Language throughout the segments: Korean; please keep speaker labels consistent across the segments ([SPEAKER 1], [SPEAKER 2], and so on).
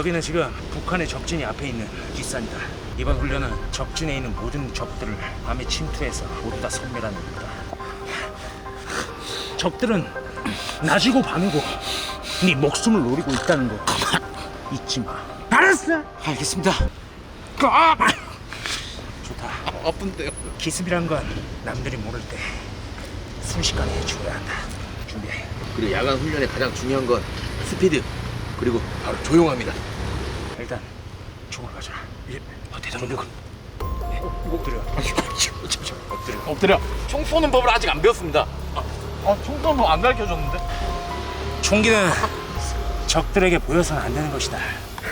[SPEAKER 1] 여기는 지금 북한의 적진이 앞에 있는 뒷산이다. 이번 훈련은 적진에 있는 모든 적들을 밤에 침투해서 모두 다 섬멸하는 겁니다. 적들은 낮이고 밤이고 네 목숨을 노리고 있다는 거 잊지 마. 알았어?
[SPEAKER 2] 알겠습니다.
[SPEAKER 1] 좋다.
[SPEAKER 2] 아픈데요.
[SPEAKER 1] 기습이란 건 남들이 모를 때 순식간에 해줘야 한다. 준비해.
[SPEAKER 2] 그리고 야간 훈련의 가장 중요한 건 스피드 그리고 바로 조용합니다.
[SPEAKER 1] 일단 총을 가져라. 대장군. 엎드려. 엎드려.
[SPEAKER 2] 엎드려. 총 쏘는 법을 아직 안 배웠습니다. 총 쏘는 법 안 가르쳐줬는데?
[SPEAKER 1] 총기는 적들에게 보여서는 안 되는 것이다.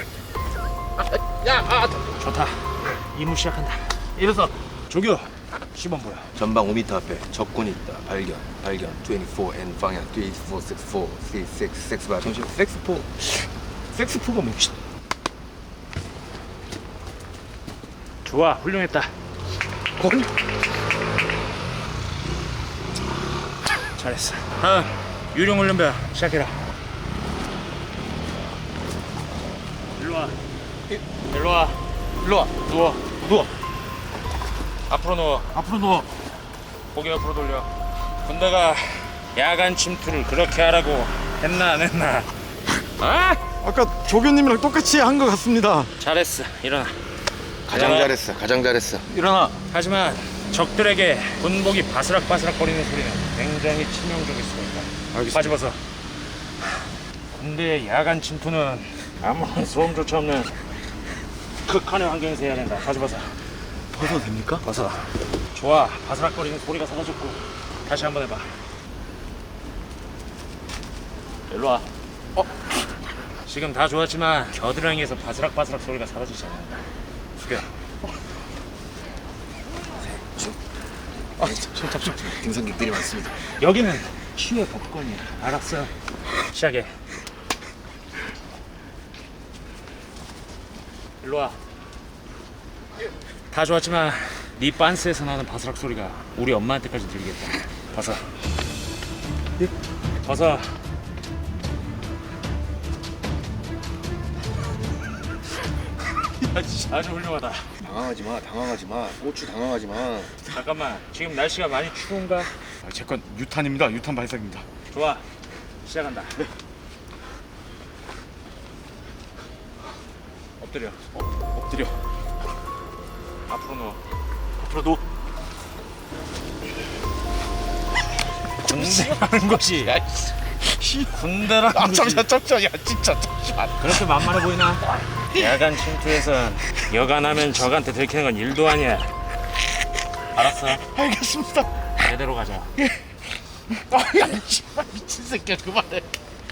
[SPEAKER 1] 좋다. 임무 시작한다.
[SPEAKER 2] 이래서
[SPEAKER 1] 조교, 시범 보여.
[SPEAKER 2] 전방 5m 앞에 적군이 있다. 발견 24 N 방향 3464 3665 잠시 섹스포가 뭡시다.
[SPEAKER 1] 좋아, 훌륭했다. 잘했어. 다음 유령훈련병 시작해라. 일로와. 일로와.
[SPEAKER 2] 일로와. 누워.
[SPEAKER 1] 앞으로 누워.
[SPEAKER 2] 앞으로 누워.
[SPEAKER 1] 고개 옆으로 돌려. 군대가 야간 침투를 그렇게 하라고 했나 안 했나? 아?
[SPEAKER 3] 아까 조교님이랑 똑같이 한 것 같습니다.
[SPEAKER 1] 잘했어. 일어나.
[SPEAKER 2] 가장 잘했어.
[SPEAKER 3] 일어나.
[SPEAKER 1] 하지만 적들에게 군복이 바스락바스락거리는 소리는 굉장히 치명적일 수가 있다.
[SPEAKER 3] 알겠습니다.
[SPEAKER 1] 바지 벗어. 군대의 야간 침투는 아무런 소음조차 없는 극한의 환경에서 해야 된다. 바지 벗어.
[SPEAKER 3] 벗어도 됩니까?
[SPEAKER 1] 벗어. 좋아. 바스락거리는 소리가 사라졌고 다시 한번 해봐. 일로 와. 지금 다 좋았지만 겨드랑이에서 바스락바스락 소리가 사라지지 않는다. 숙여.
[SPEAKER 2] 잠시만. 등산객들이 많습니다.
[SPEAKER 1] 여기는 치유의 법권이야. 알았어. 시작해. 일로 와. 다 좋았지만 네 빤스에서 나는 바스락 소리가 우리 엄마한테까지 들리겠다. 벗어. 벗어. 아주 훌륭하다.
[SPEAKER 2] 당황하지 마. 고추 당황하지 마.
[SPEAKER 1] 잠깐만. 지금 날씨가 많이 추운가?
[SPEAKER 3] 제 건 유탄입니다. 유탄 발사기입니다.
[SPEAKER 1] 좋아. 시작한다. 엎드려.
[SPEAKER 3] 엎드려.
[SPEAKER 1] 앞으로 누워.
[SPEAKER 3] 앞으로 누워.
[SPEAKER 1] 군대라는 것이 군대라는 것이
[SPEAKER 2] 잠시만. 야 진짜 잠시만.
[SPEAKER 1] 그렇게 만만해 보이나? 야간 침투에선 여간하면 적한테 들키는 건 일도 아니야. 알았어.
[SPEAKER 2] 알겠습니다.
[SPEAKER 1] 제대로 가자.
[SPEAKER 2] 야 미친 새끼야 그만해.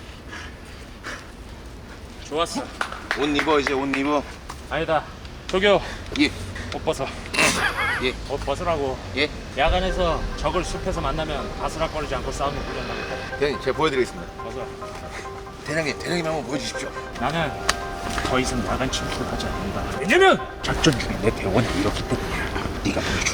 [SPEAKER 1] 좋았어.
[SPEAKER 2] 옷 입어 이제 옷 입어.
[SPEAKER 1] 아니다. 조교.
[SPEAKER 2] 예.
[SPEAKER 1] 옷 벗어.
[SPEAKER 2] 예.
[SPEAKER 1] 옷 벗으라고.
[SPEAKER 2] 예.
[SPEAKER 1] 야간에서 적을 숲에서 만나면 바스락거리지 않고 싸우는 훈련하겠다.
[SPEAKER 2] 대장님 제가 보여드리겠습니다.
[SPEAKER 1] 벗어.
[SPEAKER 2] 대장님 한번 보여주십시오.
[SPEAKER 1] 나는 더 이상 야간 침투를 하지 않는다. 왜냐면 작전 중에 내 대원이 이렇기 때문이야. 네가 보여줘.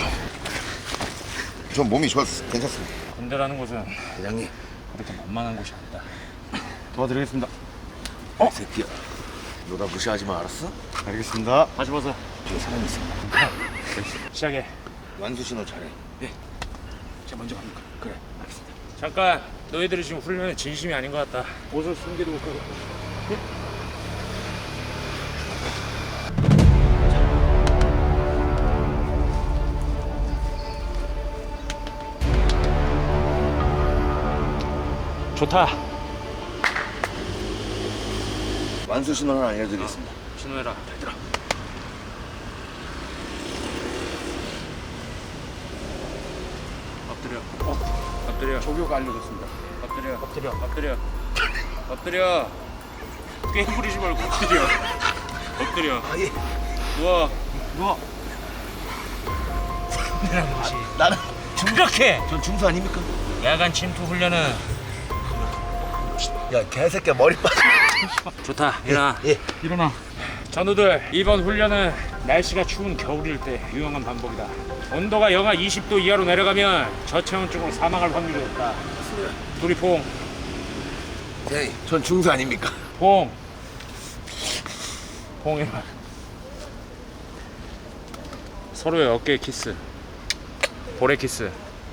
[SPEAKER 2] 전 몸이 좋았어. 괜찮습니다.
[SPEAKER 1] 군대라는 곳은
[SPEAKER 2] 대장님.
[SPEAKER 1] 그렇게 만만한 곳이 아니다.
[SPEAKER 3] 도와드리겠습니다.
[SPEAKER 2] 이 새끼야. 너 나 무시하지 마 알았어?
[SPEAKER 3] 알겠습니다.
[SPEAKER 1] 다시 벗어.
[SPEAKER 2] 저기 사람이 있어.
[SPEAKER 1] 시작해.
[SPEAKER 2] 완수 신호 잘해.
[SPEAKER 3] 제가 먼저 갑니까?
[SPEAKER 2] 그래.
[SPEAKER 3] 알겠습니다.
[SPEAKER 1] 잠깐. 너희들이 지금 훈련에 진심이 아닌 것 같다. 옷을 숨기두고 가고. 좋다.
[SPEAKER 2] 완수 신호 하나 알려드리겠습니다.
[SPEAKER 1] 신호해라. 얘들아. 엎드려. 엎드려.
[SPEAKER 3] 조교가 알려줬습니다.
[SPEAKER 1] 엎드려. 엎드려. 엎드려. 꽤 부리지 말고 엎드려. 엎드려.
[SPEAKER 2] 예.
[SPEAKER 1] 누워.
[SPEAKER 3] 누워.
[SPEAKER 1] 훈련하는 것이
[SPEAKER 2] 나는
[SPEAKER 1] 이렇게
[SPEAKER 2] 전 중수 아닙니까?
[SPEAKER 1] 야간 침투 훈련은
[SPEAKER 2] 야 개새끼야 머리 빠져.
[SPEAKER 1] 좋다. 일어나.
[SPEAKER 2] 예.
[SPEAKER 3] 일어나.
[SPEAKER 1] 전우들, 이번 훈련은 날씨가 추운 겨울일 때 유용한 방법이다. 온도가 영하 20도 이하로 내려가면 저체온증으로 사망할 확률이 높다. 둘이 포옹.
[SPEAKER 2] 대장님 전 중수 아닙니까?
[SPEAKER 1] 포옹. 호응해봐. 서로의 어깨 키스, 볼에 키스.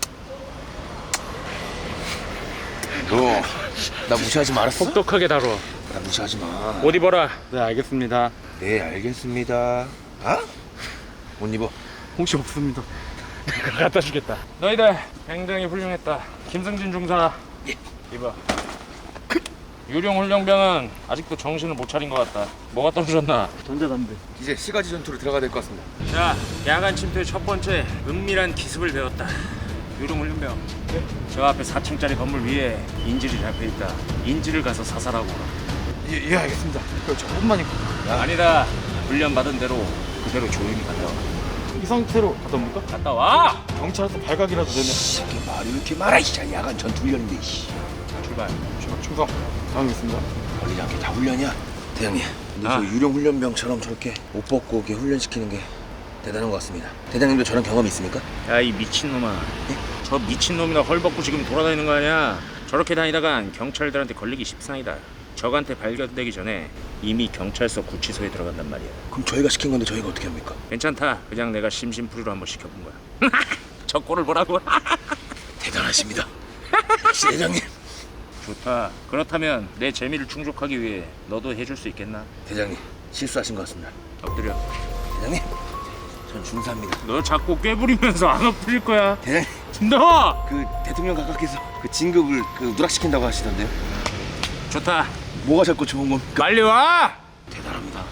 [SPEAKER 2] 너 나 무시하지 말았어?
[SPEAKER 1] 혹독하게 다뤄.
[SPEAKER 2] 나 무시하지 마.
[SPEAKER 1] 옷 입어라.
[SPEAKER 3] 네, 알겠습니다.
[SPEAKER 2] 네, 알겠습니다. 아? 옷 입어.
[SPEAKER 3] 혹시 없습니다.
[SPEAKER 1] 갖다 주겠다. 너희들 굉장히 훌륭했다. 김승진 중사.
[SPEAKER 2] 예.
[SPEAKER 1] 입어. 유령 훈련병은 아직도 정신을 못 차린 것 같다. 뭐가 떨어졌나?
[SPEAKER 3] 전자담배.
[SPEAKER 2] 이제 시가지 전투로 들어가야 될 것 같습니다.
[SPEAKER 1] 자, 야간 침투의 첫 번째 은밀한 기습을 배웠다. 유령 훈련병. 저 앞에 4층짜리 건물 위에 인질이 잡혀 있다. 인질을 가서 사살하고 오라.
[SPEAKER 3] 예, 알겠습니다. 그럼 조금만요.
[SPEAKER 1] 아니다. 훈련 받은 대로 그대로 조용히 갔다 와.
[SPEAKER 3] 이 상태로 갔다 옵니까?
[SPEAKER 1] 갔다 와.
[SPEAKER 3] 경찰서 발각이라도 되면
[SPEAKER 2] 이게 말이 이렇게 많아, 이씨. 야간 전투 훈련인데, 이씨.
[SPEAKER 1] 출발.
[SPEAKER 3] 충성. 당하겠습니다.
[SPEAKER 2] 걸리지 않게 다 훈련이야. 대장님, 근데
[SPEAKER 1] 아.
[SPEAKER 2] 저 유령 훈련병처럼 저렇게 옷 벗고 이렇게 훈련시키는 게 대단한 것 같습니다. 대장님도 저런 경험이 있습니까?
[SPEAKER 1] 야, 이 미친놈아. 저 미친놈이나 헐벗고 지금 돌아다니는 거 아니야? 저렇게 다니다간 경찰들한테 걸리기 십상이다. 적한테 발견되기 전에 이미 경찰서 구치소에 들어간단 말이야.
[SPEAKER 2] 그럼 저희가 시킨 건데 저희가 어떻게 합니까?
[SPEAKER 1] 괜찮다. 그냥 내가 심심풀이로 한번 시켜본 거야. 저 꼴을 보라고.
[SPEAKER 2] 대단하십니다. 역시 대장님.
[SPEAKER 1] 좋다. 그렇다면 내 재미를 충족하기 위해 너도 해줄 수 있겠나?
[SPEAKER 2] 대장님, 실수하신 것 같습니다.
[SPEAKER 1] 엎드려.
[SPEAKER 2] 대장님, 전 중사입니다.
[SPEAKER 1] 너 자꾸 꾀부리면서 안 엎드릴 거야.
[SPEAKER 2] 대장님,
[SPEAKER 1] 너!
[SPEAKER 2] 그 대통령 각하께서 그 진급을 누락시킨다고 하시던데요?
[SPEAKER 1] 좋다.
[SPEAKER 2] 뭐가 자꾸 좋은 겁니까?
[SPEAKER 1] 빨리 와!
[SPEAKER 2] 대단합니다.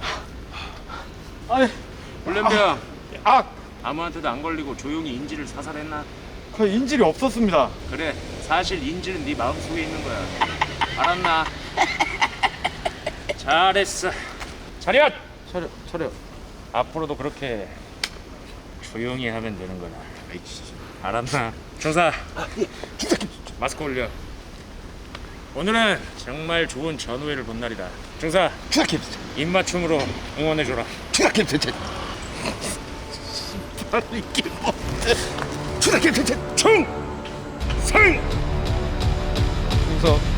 [SPEAKER 3] 아니,
[SPEAKER 1] 훈련병. 아무한테도 안 걸리고 조용히 인질을 사살했나?
[SPEAKER 3] 그 인질이 없었습니다.
[SPEAKER 1] 그래. 사실 인질은 네 마음속에 있는 거야. 알았나? 잘했어. 차렷!
[SPEAKER 3] 차려.
[SPEAKER 1] 앞으로도 그렇게 조용히 하면 되는 거다. 알았나? 중사. 마스크 올려. 오늘은 정말 좋은 전우회를 본 날이다. 중사.
[SPEAKER 2] 추락해.
[SPEAKER 1] 입맞춤으로 응원해줘라.
[SPEAKER 2] 추락해. 추락해.
[SPEAKER 1] 충성!
[SPEAKER 3] 충성.